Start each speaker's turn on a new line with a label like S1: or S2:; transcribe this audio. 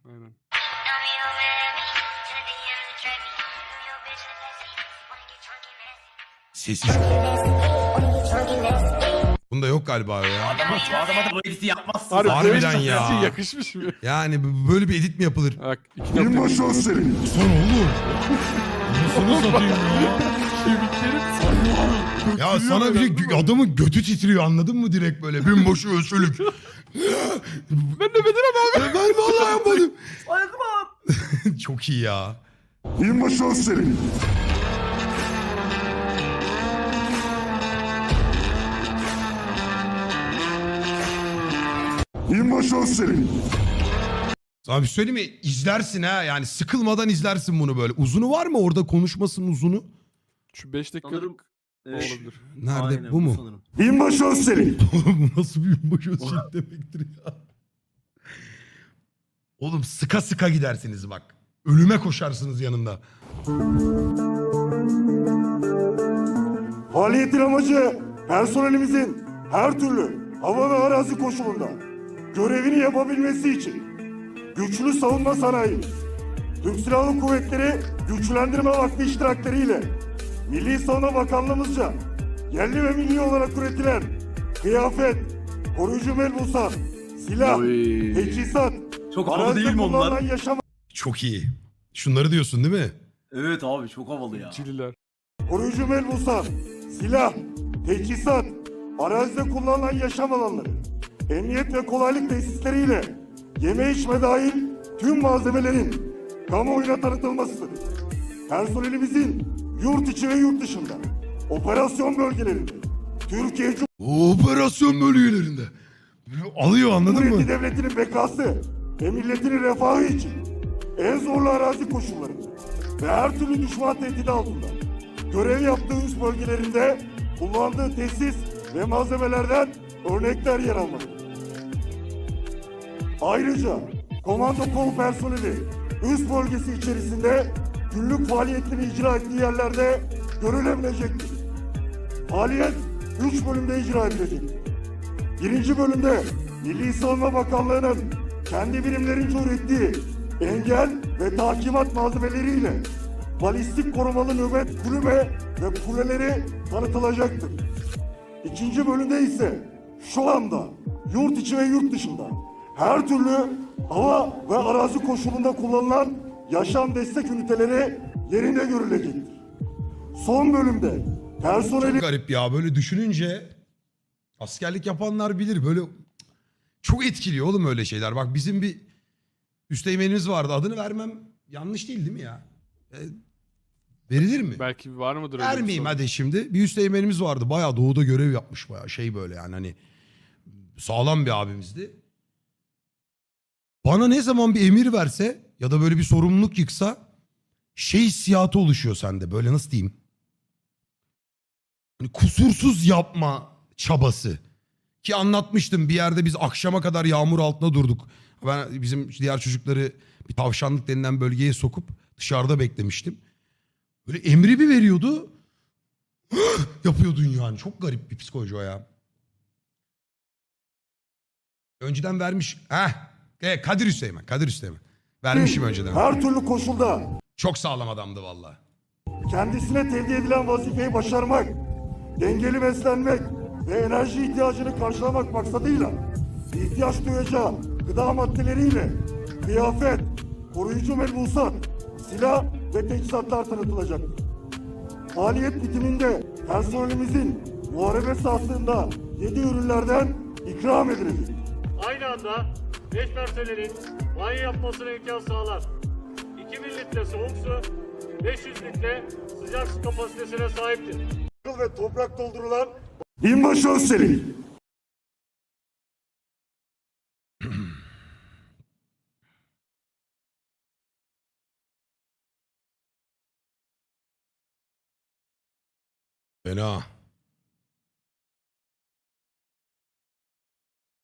S1: Aynen.
S2: Sesi çok. Bunda yok galiba ya.
S3: Bu adama da bu editi yapmazsın.
S1: Harbi
S2: Harbiden
S1: böyle
S2: ya.
S1: sesi yakışmış mı?
S2: Yani böyle bir edit mi yapılır?
S1: Bak iki
S4: Binbaşı Özsel'in.
S2: Son oğlum. Nasıl satayım ya? Ya sana bir şey, adamın götü titriyor, anladın mı direkt böyle? Binbaşı Özsel'ük.
S1: Ben de Bedir'im abi.
S2: Ben vallahi yapmadım.
S3: Ayakım abi.
S2: Çok iyi ya.
S4: Binbaşı Özsel'in. Binbaşı Özsel'in.
S2: Sana bir söyleyeyim mi? İzlersin ha, yani sıkılmadan izlersin bunu böyle. Uzunu var mı orada, konuşmasının uzunu?
S1: Şu 5
S3: Sanırım
S1: dakikalık olabilir.
S2: Nerede?
S3: aynen,
S2: bu mu?
S3: sanırım.
S4: Binbaşı Özsel'in.
S2: Bu nasıl bir binbaşı Özsel demektir ya? Oğlum sıka sıka gidersiniz bak. Ölüme koşarsınız yanında.
S4: Faaliyetin amacı personelimizin her türlü hava ve arazi koşulunda görevini yapabilmesi için güçlü savunma sanayimiz, Türk Silahlı Kuvvetleri Güçlendirme Vakfı iştirakleriyle Milli Savunma Bakanlığımızca yerli ve milli olarak üretilen kıyafet, koruyucu melbusat, silah,
S3: Oy.
S4: teçhizat,
S3: Çok havalı
S4: arazide
S3: değil mi onlar?
S4: kullanılan yaşam
S2: Çok iyi. Şunları diyorsun değil mi?
S3: Evet abi çok havalı ya.
S1: Çililer.
S4: koruyucu melbusat, silah, teçhizat, arazide kullanılan yaşam alanları, emniyet ve kolaylık tesisleriyle yeme içme dahil tüm malzemelerin kamuoyuna tanıtılmasıdır. Personelimizin yurt içi ve yurt dışında operasyon bölgelerinde Türkiye
S2: Operasyon bölgelerinde. Alıyor, anladın
S4: Cumhuriyeti
S2: mı?
S4: Devleti'nin bekası ve milletinin refahı için en zorlu arazi koşullarında ve her türlü düşman tehdidi altında görev yaptığı üst bölgelerinde kullandığı tesis ve malzemelerden örnekler yer almaktadır. Ayrıca komando kol personeli üst bölgesi içerisinde günlük faaliyetleri icra ettiği yerlerde görülebilecektir. Faaliyet 3 bölümde icra edilecektir. Birinci bölümde Milli Savunma Bakanlığı'nın kendi birimlerince ürettiği engel ve takimat malzemeleriyle balistik korumalı nöbet kulübe ve kuleleri tanıtılacaktır. İkinci bölümde ise şu anda yurt içi ve yurt dışında her türlü hava ve arazi koşulunda kullanılan yaşam destek üniteleri yerinde görülecektir. Son bölümde personeli
S2: Çok garip ya, böyle düşününce askerlik yapanlar bilir, böyle çok etkiliyor oğlum öyle şeyler. Bak bizim bir üsteğmenimiz vardı, adını vermem yanlış değil mi ya? Verilir mi?
S1: Belki var mıdır öyle bir
S2: Vermeyeyim
S1: soru?
S2: hadi şimdi. Bir üsteğmenimiz vardı, bayağı doğuda görev yapmış, bayağı şey böyle yani, hani sağlam bir abimizdi. Bana ne zaman bir emir verse ya da böyle bir sorumluluk yıksa şey hissiyatı oluşuyor sende, böyle nasıl diyeyim? Hani kusursuz yapma çabası. Ki anlatmıştım, bir yerde biz akşama kadar yağmur altında durduk. Ben bizim diğer çocukları bir tavşanlık denilen bölgeye sokup dışarıda beklemiştim. Böyle emri bir veriyordu. Yapıyordun yani. Çok garip bir psikoloji o ya. Önceden vermiş. Kadir Hüseyin. Kadir Hüseyin. Vermişim önceden.
S4: her türlü koşulda
S2: Çok sağlam adamdı valla.
S4: kendisine tevdi edilen vazifeyi başarmak, dengeli beslenmek ve enerji ihtiyacını karşılamak maksadıyla ihtiyaç duyacağı gıda maddeleriyle kıyafet, koruyucu melbusat, silah ve teçhizatlar tanıtılacaktır. Faaliyet bitiminde personelimizin muharebe sahasında yediği ürünlerden ikram edilecek.
S5: Aynı anda 5 personelin banyo yapmasına imkan sağlar. 2000 litre soğuk su, 500 litre sıcak su kapasitesine sahiptir.
S4: Ve toprak doldurulan Binbaşı Özsel'in.
S2: Fena.